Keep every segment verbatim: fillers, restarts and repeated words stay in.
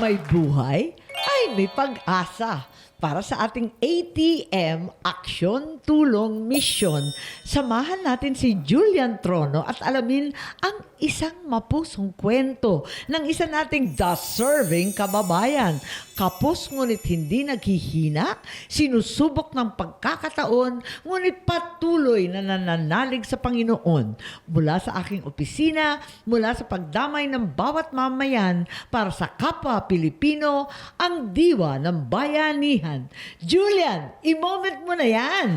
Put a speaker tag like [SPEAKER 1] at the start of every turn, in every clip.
[SPEAKER 1] may buhay ay may pag-asa. Para sa ating A T M, Aksyon, Tulong, Misyon, samahan natin si Julian Trono at alamin ang isang mapusong kwento ng isa nating deserving kababayan. Kapos ngunit hindi naghihina, sinusubok ng pagkakataon, ngunit patuloy na nananalig sa Panginoon. Mula sa aking opisina, mula sa pagdamay ng bawat mamayan para sa kapwa Pilipino, ang diwa ng bayanihan. Julian, i-moment mo na yan!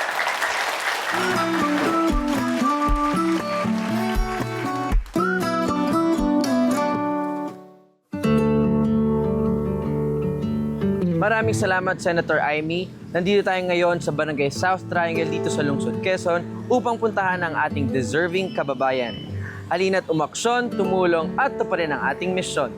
[SPEAKER 2] Maraming salamat, Senator Amy. Nandito tayo ngayon sa Barangay South Triangle dito sa Lungsod, Quezon upang puntahan ang ating deserving kababayan. Halina't umaksyon, tumulong at tuparin ang ating misyon.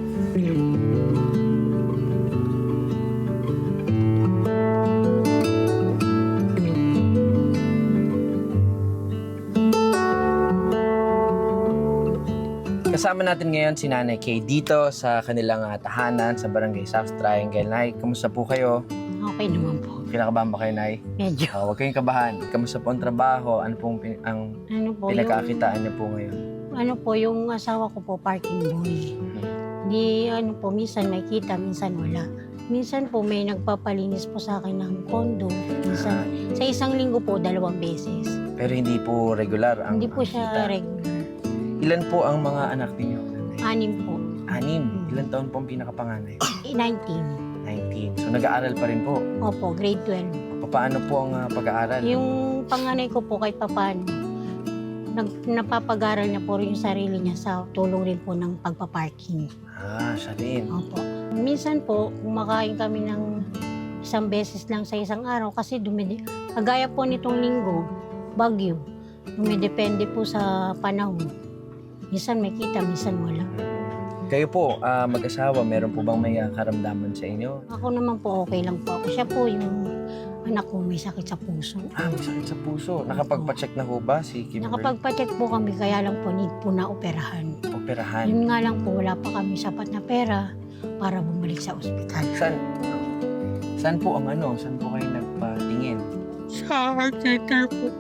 [SPEAKER 2] Kasama natin ngayon si Nanay Kay dito sa kanilang uh, tahanan sa Barangay South Triangle. Nay, kamusta po kayo?
[SPEAKER 3] Okay naman po.
[SPEAKER 2] Kinakabahan ba kayo, Nay?
[SPEAKER 3] Medyo.
[SPEAKER 2] Uh, huwag kayong kabahan. Kamusta po ang trabaho? Ano pong pin- ang
[SPEAKER 3] Ano po
[SPEAKER 2] pinagkakitaan niyo po ngayon?
[SPEAKER 3] yung, ano po, yung asawa ko po, parking boy. Di, ano po, minsan may kita, minsan wala. Minsan po may nagpapalinis po sa akin ng kondo. Minsan, sa isang linggo po, dalawang beses.
[SPEAKER 2] Pero hindi po regular ang
[SPEAKER 3] Hindi po
[SPEAKER 2] ang
[SPEAKER 3] siya
[SPEAKER 2] kita.
[SPEAKER 3] regular.
[SPEAKER 2] Ilan po ang mga anak ninyo, Nanay?
[SPEAKER 3] Anim po.
[SPEAKER 2] Anim. Ilan taon po ang pinakapanganay?
[SPEAKER 3] Eh, nineteen.
[SPEAKER 2] nineteen. So nag-aaral pa rin po.
[SPEAKER 3] Opo, grade twelve.
[SPEAKER 2] Paano po ang uh, pag-aaral?
[SPEAKER 3] Yung panganay ko po kahit papano, nag, napapag-aral niya po rin yung sarili niya sa tulong rin po ng pagpaparking.
[SPEAKER 2] Ah, siya rin.
[SPEAKER 3] Opo. Minsan po, kumakain kami ng isang beses lang sa isang araw kasi dumide. Kagaya po nitong linggo, bagyo. Dumidepende po sa panahon. Minsan may kita, minsan wala.
[SPEAKER 2] Kayo po, ah, mag-asawa, meron po bang may ah, karamdaman sa inyo?
[SPEAKER 3] Ako naman po, okay lang po ako. Siya po yung anak ko may sakit sa puso.
[SPEAKER 2] Ah, may sakit sa puso. Nakapagpa-check na ho ba si Kimberly?
[SPEAKER 3] Nakapagpa-check po kami, kaya lang po need po na operahan.
[SPEAKER 2] Operahan.
[SPEAKER 3] Yun nga lang po, wala pa kami sapat na pera para bumalik sa ospital.
[SPEAKER 2] Saan? Saan po ang ano? Saan po kayo nagpatingin?
[SPEAKER 3] Sa heart center po.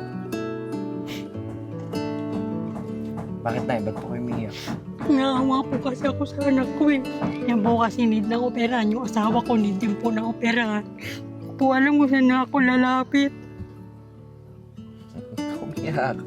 [SPEAKER 2] Bakit na? Ba't po kayo umiiyak?
[SPEAKER 3] Naawa po kasi ako sa anak ko eh. Yan po kasi need na operahan. Yung asawa ko need din po na operahan. Po alam ko saan na ako lalapit.
[SPEAKER 2] Umiyak.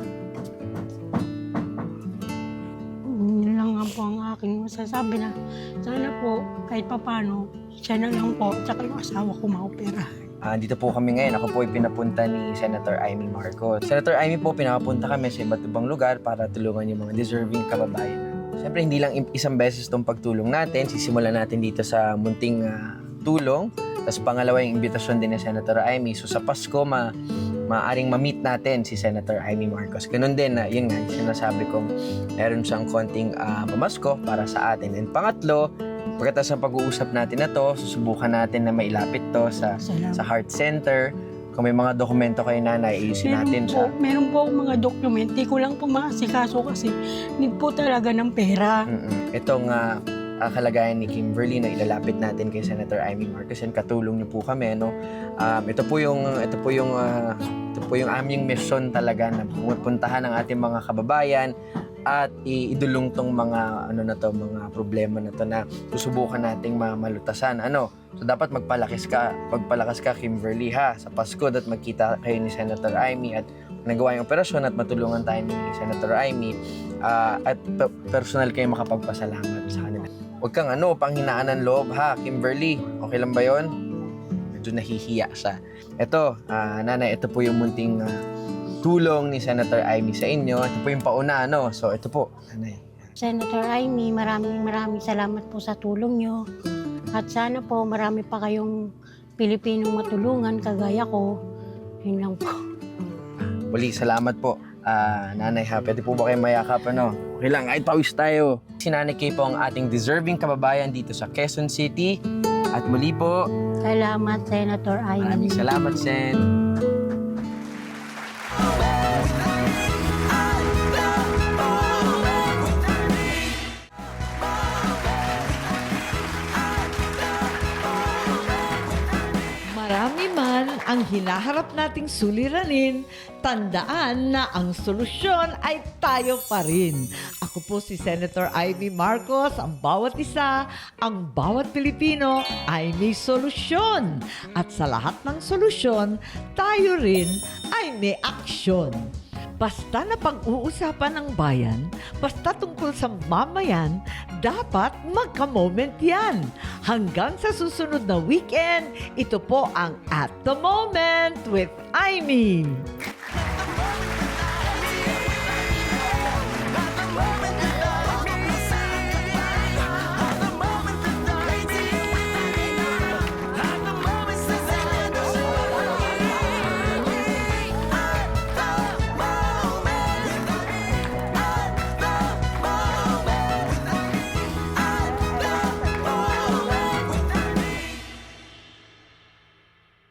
[SPEAKER 3] Yun lang nga po ang aking masasabi na sana po kahit papano siya na lang po at saka yung asawa ko maoperahan.
[SPEAKER 2] Ah, dito po kami ngayon. Ako po ay pinapunta ni Senator Amy Marcos. Senator Amy po, pinapunta kami sa iba't ibang lugar para tulungan yung mga deserving kababayan. Siyempre, hindi lang isang beses itong pagtulong natin. Sisimulan natin dito sa munting uh, tulong. Tapos pangalawa yung imbitasyon din ni Senator Amy. So sa Pasko, ma maaring ma-meet natin si Senator Amy Marcos. Ganun din na, yun nga, sinasabi kong meron siyang konting uh, pamasko para sa atin. And pangatlo, pagkatapos ng pag-uusap natin na to, susubukan natin na mailapit to sa
[SPEAKER 3] Salamat.
[SPEAKER 2] sa heart center. Kung may mga dokumento kayo, Nanay, ayusin natin
[SPEAKER 4] po,
[SPEAKER 2] siya.
[SPEAKER 4] meron po akong mga document. Di ko lang po maasikaso kasi need po talaga ng pera.
[SPEAKER 2] Mm-mm. Itong uh, kalagayan ni Kimberly na ilalapit natin kay Senator Amy Marcos, and katulong niyo po kami, no? Um, ito po yung ito po yung uh, ito po yung aming mission talaga na pupuntahan ang ating mga kababayan at iidulong tong mga ano na to, mga problema na to na susubukan nating malutasan. Ano? So dapat magpalakas ka, magpalakas ka, Kimberly, ha, sa Pasko, at magkita kayo ni Senator Amy at nagawa yung operasyon at matulungan tayo ni Senator Amy, uh, at pe- personal kayo makapagpasalamat sa kanila. Huwag kang ano, panghinaan ng loob, ha, Kimberly. Okay lang ba yon? Medyo nahihiya siya. Ito, uh, Nanay, ito po yung munting uh, tulong ni Senator Amy sa inyo. Ito po yung pauna, ano? So, ito po, Nanay.
[SPEAKER 3] Senator Amy, maraming maraming salamat po sa tulong nyo. At sana po marami pa kayong Pilipinong matulungan kagaya ko. Yun lang po.
[SPEAKER 2] Muli, salamat po. Ah, Nanay, ha, pwede po ba kayo mayakap, ano? Okay lang, kahit pawis tayo. Si Nanay Kay po ang ating deserving kababayan dito sa Quezon City. At muli po,
[SPEAKER 3] Salamat, Senator Amy.
[SPEAKER 2] maraming salamat, Sen.
[SPEAKER 1] ang hinaharap nating suliranin, tandaan na ang solusyon ay tayo pa rin. Ako po si Senator Amy Marcos, ang bawat isa, ang bawat Pilipino ay may solusyon. At sa lahat ng solusyon, tayo rin ay may aksyon. Basta na pag-uusapan ng bayan, basta tungkol sa mamayan, dapat magka-moment yan. Hanggang sa susunod na weekend, ito po ang At the Moment with Amy.